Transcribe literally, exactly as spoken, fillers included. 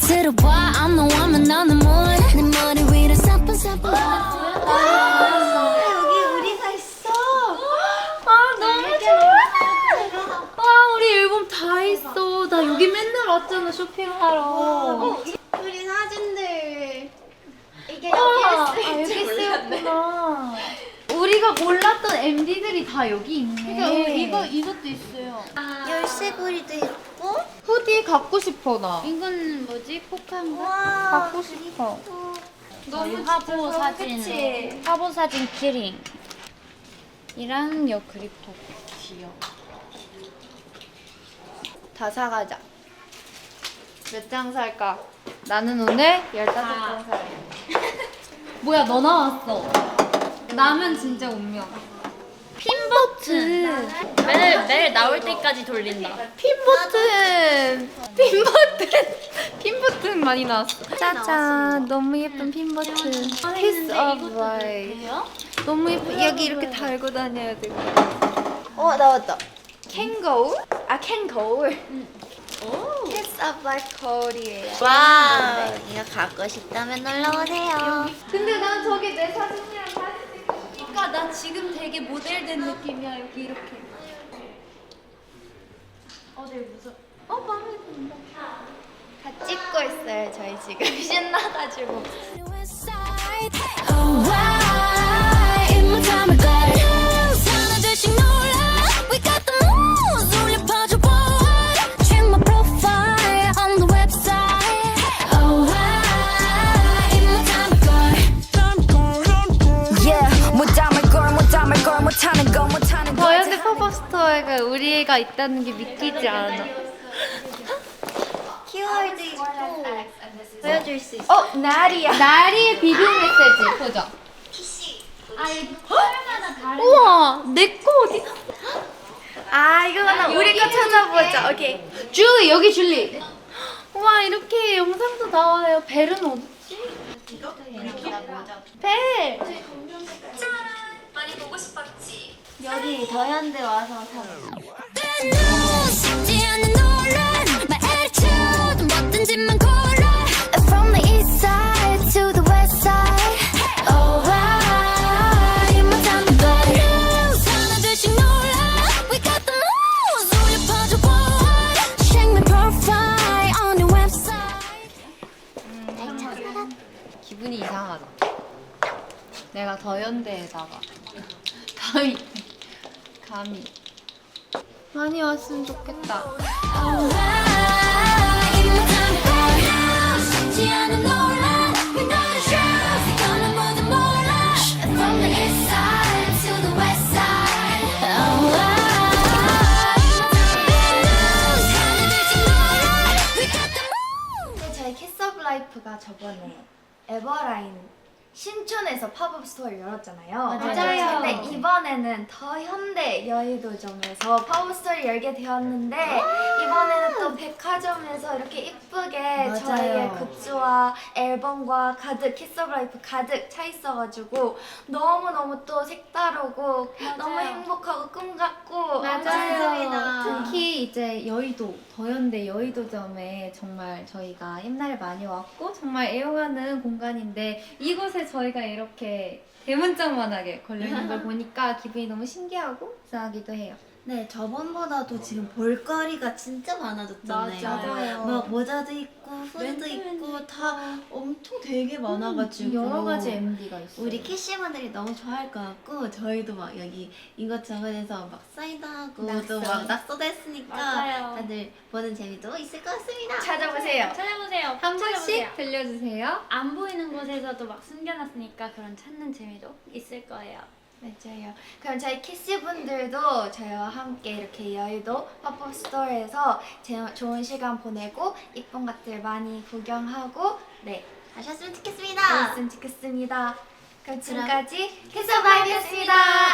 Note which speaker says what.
Speaker 1: 들어봐 I'm the woman on the moon 내 머리 위로 사뿐사뿐
Speaker 2: 여기 우리가 있어.
Speaker 3: 아 너무 좋아. 와 우리 앨범 다 있어. 나 여기 맨날 왔잖아 쇼핑하러.
Speaker 2: 어, 우리 사진들. 이게
Speaker 3: 와,
Speaker 2: 여기
Speaker 3: 아,
Speaker 2: 있을
Speaker 3: 여기
Speaker 2: 줄 몰랐네.
Speaker 3: 있었구나. 우리가 몰랐던 엠디들이 다 여기 있네.
Speaker 4: 그러니까 이거 이것도 있어요.
Speaker 2: 열쇠고리도 있고.
Speaker 3: 후디 갖고 싶어 나.
Speaker 4: 이건 뭐지? 포카인가?
Speaker 2: 와.
Speaker 3: 갖고 싶어.
Speaker 4: 너무 화보 사진.
Speaker 3: 그치?
Speaker 4: 화보 사진 키링. 이랑 요 그립톡 귀여워.
Speaker 3: 다 사가자. 몇 장 살까? 나는 오늘 열다섯 장 살래. 뭐야 너 나왔어. 나면 진짜 운명. 핀 버튼.
Speaker 4: 매일 매일 나올 때까지 돌린다.
Speaker 3: 핀 버튼. 핀 버튼. 핀 버튼 많이 나왔어. 짜잔. 너무 예쁜 핀 버튼. Piece of life. 너무 예쁜. 여기 이렇게 달고 다녀야 되고. 어 나왔다. 캔 거울? 아 캔 거울. Piece of life 거울이에요.
Speaker 2: 와. 이거 갖고 싶다면 놀러 오세요.
Speaker 3: 근데 난 저기 내 사진이랑 사진 찍으니까 나 지금 되게 모델된 느낌이야. 여기 이렇게. 어, 되게 무서워. 어, 마음에 든다. 다 찍고 있어요, 저희 지금. 신나가지고.
Speaker 1: Oh why 입모담을 걸 하나둘씩 놀라 We got the moves 울려 퍼져 boy Check my profile on the website Oh why 입모담을 걸 Yeah 못담을 걸 못담을 걸 못하는 거 못하는 거
Speaker 3: 더현대 팝업 스토어가 우리가 있다는 게 믿기지 않아.
Speaker 2: 키워드 있고. 보여줄 수 있어.
Speaker 3: 어, 나리야. 나리의 비디오 메시지 보자. 우와, 내 거 어디?
Speaker 2: 아, 이거는 우리 거 찾아보자. 오케이.
Speaker 3: 줄리 여기 줄리. 우와 이렇게 영상도 나와요. 벨은 어딨지? 벨.
Speaker 2: 여기 더현대 와서 사자.
Speaker 1: Bad news 쉽지 않은 논란 My attitude 뭐든지만 골라 From the east side to the west side Oh why 입모담을 걸 하나둘씩 놀라 We got the moves 울려 퍼져 boy Check my profile on the website
Speaker 3: 기분이 이상하다. 내가 더현대에다가 감히 감히 많이 왔으면 좋겠다.
Speaker 1: Oh why 입모담을 걸 쉽지 않은 논란 We know the truth 이거는 모두 몰라 From the east side to the west side Oh why 하나둘씩 놀라 We got the moves
Speaker 2: 저희 키스 오브 라이프가 저번에 에버라인 신촌에서 팝업 스토어를 열었잖아요.
Speaker 3: 맞아요.
Speaker 2: 근데 이번에는 더 현대 여의도점에서 팝업 스토어를 열게 되었는데 이번에는 또 백화점에서 이렇게 이쁘게
Speaker 3: 맞아요.
Speaker 2: 저희의 굿즈와 앨범과 가득 키스 오브 라이프 가득 차 있어가지고 너무너무 또 색다르고 너무 행복하고 꿈 같고 좋습니다.
Speaker 3: 특히 이제 여의도 더현대 여의도점에 정말 저희가 옛날에 많이 왔고 정말 애용하는 공간인데 이곳에 저희가 이렇게 대문짝만하게 걸려있는 걸 보니까 기분이 너무 신기하고 이상하기도 해요.
Speaker 2: 네, 저번보다도 지금 볼거리가 진짜 많아졌잖아요.
Speaker 3: 맞아요.
Speaker 2: 막 모자도 있고 후드도 있고 다 엄청 되게 많아가지고
Speaker 3: 여러 가지 엠디가 있어요.
Speaker 2: 우리 캐시분들이 너무 좋아할 것 같고 저희도 막 여기 이것저것에서 막 사인도 하고 또 막 낙서도 했으니까
Speaker 4: 맞아요.
Speaker 2: 다들 보는 재미도 있을 것 같습니다.
Speaker 3: 찾아보세요.
Speaker 4: 찾아보세요.
Speaker 3: 한
Speaker 4: 찾아보세요.
Speaker 3: 번씩 들려주세요.
Speaker 4: 안 보이는 곳에서도 막 숨겨놨으니까 그런 찾는 재미도 있을 거예요.
Speaker 2: 맞아요. 그럼 저희 키스분들도 저희와 함께 이렇게 여의도 팝업 스토어에서 제- 좋은 시간 보내고 이쁜 것들 많이 구경하고 네 하셨으면 좋겠습니다. 그랬으면 좋겠습니다. 그럼 지금까지 키스바이브였습니다.